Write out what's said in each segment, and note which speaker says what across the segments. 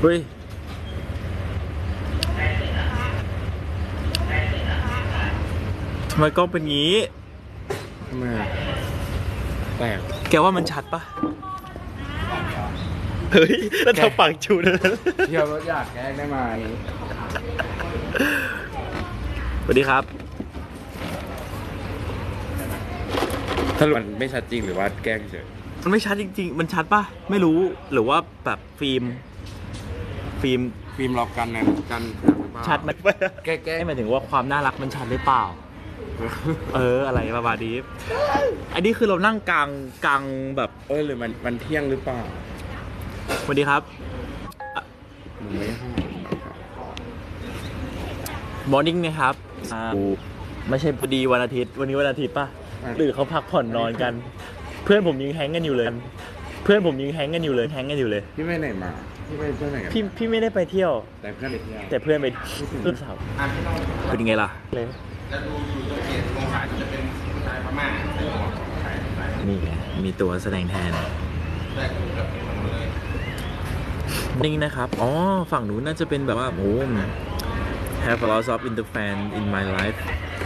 Speaker 1: เฮ้ยทำไมกล้องเป็นงี้
Speaker 2: ทำไมแปลก
Speaker 1: แกว่ามันชัดปะเฮ้ยแล้วเธอปากชูเลย
Speaker 2: เที่ยวรถอยากแกล้งได้ไหม
Speaker 1: สวัสดีครับ
Speaker 2: ถ้ามันไม่ชัดจริงหรือว่าแกล้งเฉย
Speaker 1: มันไม่ชัดจริงๆมันชัดปะไม่รู้หรือว่าแบบฟิล์ม
Speaker 2: ล็อกกันนะกัน
Speaker 1: ชัดไหมแก้หมายถึงว่าความน่ารักมันชัดหรือเปล่าอะไรประมาณนี้อันนี้คือเรานั่งกลางแบบ
Speaker 2: หรือมันเที่ยงหรือเปล่า
Speaker 1: สวัสดีครับมอร์นิ่งนะครับไม่ใช่พอดีวันอาทิตย์วันนี้วันอาทิตย์ป่ะหรือเขาพักผ่อนนอนกันเพื่อนผมยังแฮงกันอยู่เลยแฮงกันอยู่เลย
Speaker 2: พี่ไปไหนมาพี่ไปเที่ยวไหนกัน
Speaker 1: พี่ไม่ได้ไปเที่ยว
Speaker 2: แต่เพื่อนไปเที่ยว
Speaker 1: แต่เพื่อนไปเพื่อนสาวเป็นยังไงล่ะเลย
Speaker 2: จะดูอยู่ตัวเกียรติลงขายจะเป็นผู้ชายพม่า
Speaker 1: นี่ไงมีตัวแสดงแทนนี่นะครับอ๋อฝั่งนู้นน่าจะเป็นแบบว่าโอ้ have a lot of interfan in my life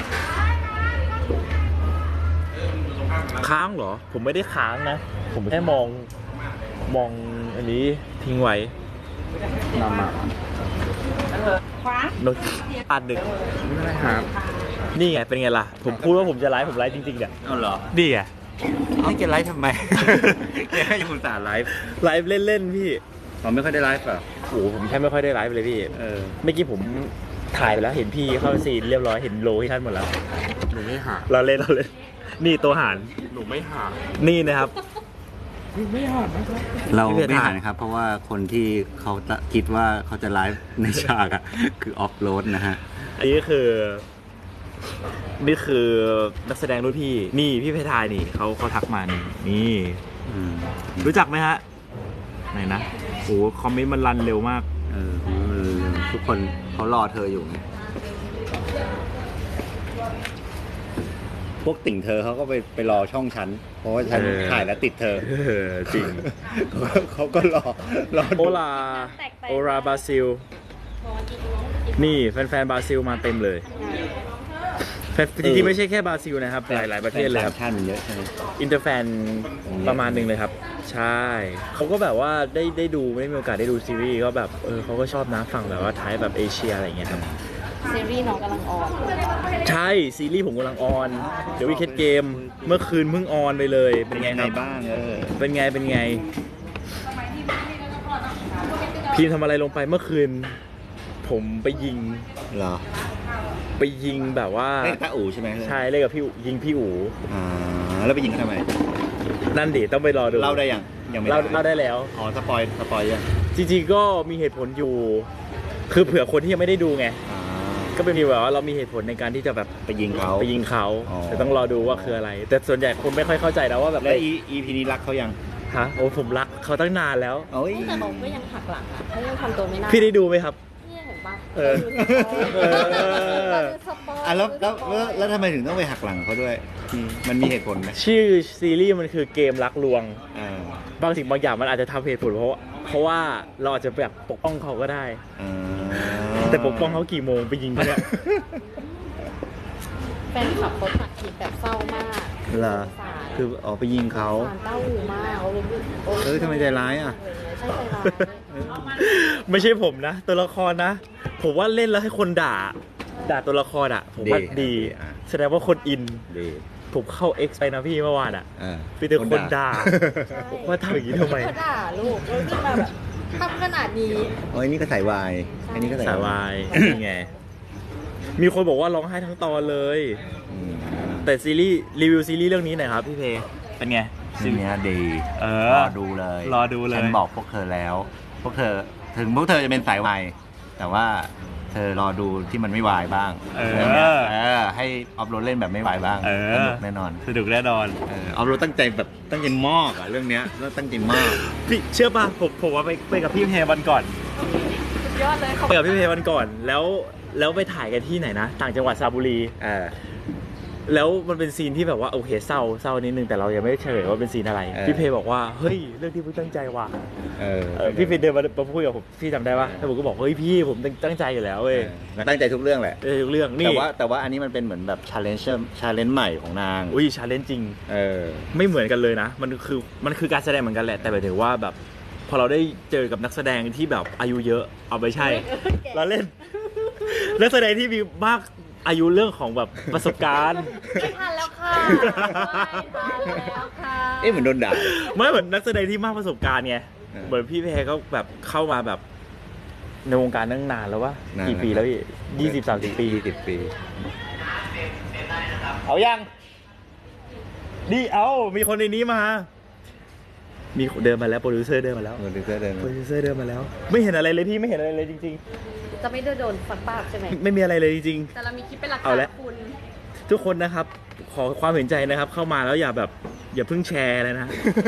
Speaker 1: ค้างเหรอผมไม่ได้ค้างนะผมแค่มองอันนี้ทิ้งไว้
Speaker 2: นำมา
Speaker 1: โน้ตอัดดึก
Speaker 2: ไม่ได้ครับ
Speaker 1: นี่ไงเป็นไงล่ะผมพูดว่าผมจะไลฟ์ผมไลฟ์จริงๆเนี่ย
Speaker 2: เหรอ
Speaker 1: นี่ไง
Speaker 2: ให้แกไลฟ์ทำไมแกให้คุณตาไลฟ์
Speaker 1: เล่นพี่
Speaker 2: ผมไม่ค่อยได้ไลฟ์อ่ะ
Speaker 1: โอ้ผมแค่ไม่ค่อยได้ไลฟ์เลยพี่เมื่อกี้ผมถ่ายไปแล้วเห็นพี่เข้าซีนเรียบร้อยเห็นโลที่ท่านหมดแล้ว
Speaker 2: หนูไม่หา
Speaker 1: เราเล่นนี่ตัวหาร
Speaker 2: หนูไม่หา
Speaker 1: นี่นะครับ
Speaker 2: ไม่หานะครับ
Speaker 3: เราไม่หานะครับเพราะว่าคนที่เขาคิดว่าเขาจะไลฟ์ในฉากอ่ะคือออฟโรดนะฮะ
Speaker 1: อันนี้นี่คือนักแสดงรุ่นพี่นี่พี่เพทายนี่เขาทักมานี่รู้จักไหมฮะไหนนะโอ้คอมเมนต์มันรันเร็วมาก
Speaker 3: ทุกคนเขารอเธออยู่พวกติ่งเธอเขาก็ไปรอช่องฉันเพราะว่าฉันถ่ายแล้วติดเธอ
Speaker 1: จริง
Speaker 3: เขาก็รอ
Speaker 1: โอลาบราซิลนี่แฟนบราซิลมาเต็มเลยจริงๆไม่ใช่แค่บราซิลนะครับหลายประเทศเลยครับ
Speaker 3: ท่านมันเยอะใช่ไหม
Speaker 1: อินเตอร์แฟนประมาณนึงเลยครับใช่เขาก็แบบว่าได้ดูไม่ได้มีโอกาสได้ดูซีรีส์ก็แบบเขาก็ชอบนะฝั่งแบบว่าไทยแบบเอเชียอะไรอย่างเงี้ยครับ
Speaker 4: ซีรีส์น้องกำลังออน
Speaker 1: ใช่ซีรีส์ผมกำลังออนเดี๋ยววิกเก็ตเกมเมื่อคืนเพิ่งออนไปเลยเป็นไงครับ
Speaker 3: บ้าง
Speaker 1: เป็นไงพีมทำอะไรลงไปเมื่อคืนผมไปยิง
Speaker 3: เหรอ
Speaker 1: ไปยิงแบบว่า
Speaker 3: เล่นตาอู๋ใช่ไหม
Speaker 1: ใช่เล่นกับพี่ยิงพี่อู๋
Speaker 3: แล้วไปยิงทำไม
Speaker 1: นั่นดิต้องไปรอดู
Speaker 3: เล่าได้ยังไม่
Speaker 1: เล่าได้แล้ว
Speaker 3: สปอยยัง
Speaker 1: จริงๆก็มีเหตุผลอยู่คือเผื่อคนที่ยังไม่ได้ดูไงก็เป็นแบบว่าเรามีเหตุผลในการที่จะแบบ
Speaker 3: ไปยิงเขา
Speaker 1: แต่ต้องรอดูว่าคืออะไรแต่ส่วนใหญ่คนไม่ค่อยเข้าใจนะว่าแบบ
Speaker 3: แล้วEPนี้รักเขายัง
Speaker 1: โอ้ผมรักเขาตั้งนานแล้ว
Speaker 4: แต่เขาก็ยังหักหลังเขายังทำตัวไม่น่า
Speaker 1: พี่ได้ดูไหมครับ
Speaker 3: แล้วทำไมถึงต้องไปหักหลังเขาด้วยมันมีเหตุผลไหม
Speaker 1: ชื่อซีรีส์มันคือเกมรักลวงบางสิ่งบางอย่างมันอาจจะทำเหตุผลเพราะว่าเราอาจจะแบบปกป้องเขาก็ได้แต่ปกป้องเขากี่โมงไปยิงเขาเนี่ย
Speaker 4: แฟนคลับเขาตัดคลิปแบบเศร้ามาก
Speaker 3: เหรอคือออกไปยิงเขา
Speaker 4: เต้าหูมาก
Speaker 3: ทำไมใจร้ายอ่ะ
Speaker 4: ใช่ใจร้าย
Speaker 1: ไม่ใช่ผมนะตัวละครนะผมว่าเล่นแล้วให้คนด่าตัวละครอ่ะผมว่าดีแสดงว่าคนอินผมเข้า X ไปนะพี่เมื่อวานอ่ะพี่แต่คนด่าว่าทำอย่างนี้ทำไม
Speaker 4: ด่าลูกแล้วที่มาแบบทำขนาดนี้
Speaker 3: นี่ก็สายวายอันนี้ก็
Speaker 1: สายวายนี่ไงมีคนบอกว่าร้องไห้ทั้งตอนเลยแต่ซีรีส์รีวิวซีรีส์เรื่องนี้หน่อยครับพี่เพเป็นไง
Speaker 3: ซีรีส์ดีรอดูเลยฉันบอกพวกเธอแล้วพวกเธอถึงพวกเธอจะเป็นสายวายแต่ว่าเธอรอดูที่มันไม่วายบ้างให้ออฟโรดเล่นแบบไม่วายบ้างสนุกแน่นอน
Speaker 1: อ
Speaker 3: ออฟโรดตั้งใจมากเรื่องนี้แล้วตั้งใจมาก
Speaker 1: พี่เชื่อป่ะผมว่าไปกับพี่เพวันก่อน
Speaker 4: ยอดเลย
Speaker 1: ไปกับพี่เพวันก่อนแล้วไปถ่ายกันที่ไหนนะต่างจังหวัดสระบุรีแล้วมันเป็นซีนที่แบบว่าโอเคเศร้านิดนึงแต่เรายังไม่ได้เฉลยว่าเป็นซีนอะไรพี่เพบอกว่าเฮ้ยเรื่องที่พี่ตั้งใจว่ะพี่เพเดินมาพูดกับผมพี่จำได้ปะแล้วผมก็บอกเฮ้ยพี่ผมตั้งใจอยู่แล้วเว้ย
Speaker 3: ตั้งใจทุกเรื่องแหละ
Speaker 1: ทุกเรื่องนี่
Speaker 3: แต่ว่าอันนี้มันเป็นเหมือนแบบชาเลนจ์ใหม่ของนาง
Speaker 1: อุ้ยชาเลนจ์จริงไม่เหมือนกันเลยนะมันคือการแสดงเหมือนกันแหละแต่หมายถึงว่าแบบพอเราได้เจอกับนักแสดงที่แบบอายุเยอะเอาไปใช่เราเล่นนักแสดงที่มีมากอายุเรื่องของแบบประสบการณ์
Speaker 4: ไม่ทันแล้วค่ะไม่ทันแล้วค่ะ
Speaker 3: เหมือนโดนด่า
Speaker 1: ไม่เหมือนนักแสดงที่มากประสบการณ์ไงเหมือนพี่เพก็แบบเข้ามาแบบในวงการตั้งนานแล้ววะกี่ปีแล้วพี่20-30 ปีเอายังนี่มีคนในนี้มามีเดินมาแล้วโปรดิวเซอร์เดินมาแล้วไม่เห็นอะไรเลยพี่ไม่เห็นอะไรเลยจริงๆ
Speaker 4: จะไม่โดนฟันปากใช่ไหม
Speaker 1: ไม่มีอะไรเลยจริง
Speaker 4: แต่เรามีคลิปเป็นหลัก
Speaker 1: เอา
Speaker 4: ฐาน
Speaker 1: ละ
Speaker 4: คุณ
Speaker 1: ๆทุกคนนะครับขอความเห็นใจนะครับเข้ามาแล้วอย่าเพิ่งแชร์เลยนะ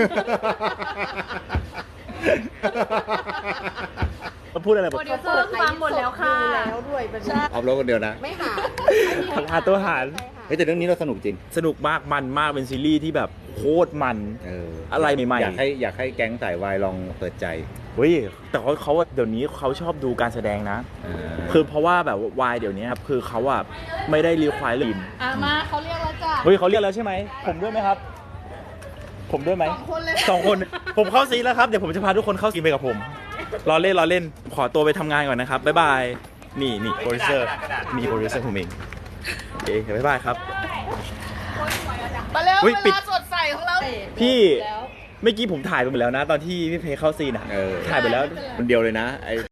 Speaker 1: มาพูดอะไรบ
Speaker 4: โป
Speaker 1: อก
Speaker 4: รดิวเซอร์ฟังหมดแล้วค่ะแล้วด้วยเป็น
Speaker 3: เอารถคนเดียวนะ
Speaker 4: ไม่หา
Speaker 1: หาตัวหาร
Speaker 3: เฮ้ยแต่เรื่องนี้เราสนุกจริง
Speaker 1: สนุกมากมันมากเป็นซีรีส์ที่แบบโคตรมันอะไรใหม่ๆ
Speaker 3: อยากให้แก๊งสายวายลองเปิดใจ
Speaker 1: เฮ้ยแต่เขาเดี๋ยวนี้เขาชอบดูการแสดงนะคือเพราะว่าแบบวายเดี๋ยวนี้ครับคือเขาอะไม่ได้รีควายลิน
Speaker 4: มาเขาเรียกแล้วจ้ะ
Speaker 1: เฮ้ยเขาเรียกแล้วใช่ไหมผมด้วยไหมครับ ผมด้วยไหม
Speaker 4: 2 คนเลย
Speaker 1: 2 คนผมเข้าซีนแล้วครับเดี๋ยวผมจะพาทุกคนเข้าซีนไปกับผมรอเล่นขอตัวไปทำงานก่อนนะครับบ๊ายบายนี่โปรดิวเซอร์มีโปรดิวเซอร์ผมเองโอเคบ๊ายบายครับ
Speaker 4: มาเร็ว
Speaker 1: เฮ้ย
Speaker 4: เว
Speaker 1: ปิด
Speaker 4: ลาสดใสของเรา
Speaker 1: พี่เมื่อกี้ผมถ่ายไปหมดแล้วนะ ตอนที่พี่เพย์เข้าซีนอ่ะถ่ายไปแล้ว
Speaker 3: คนเดียวเลยนะไอ้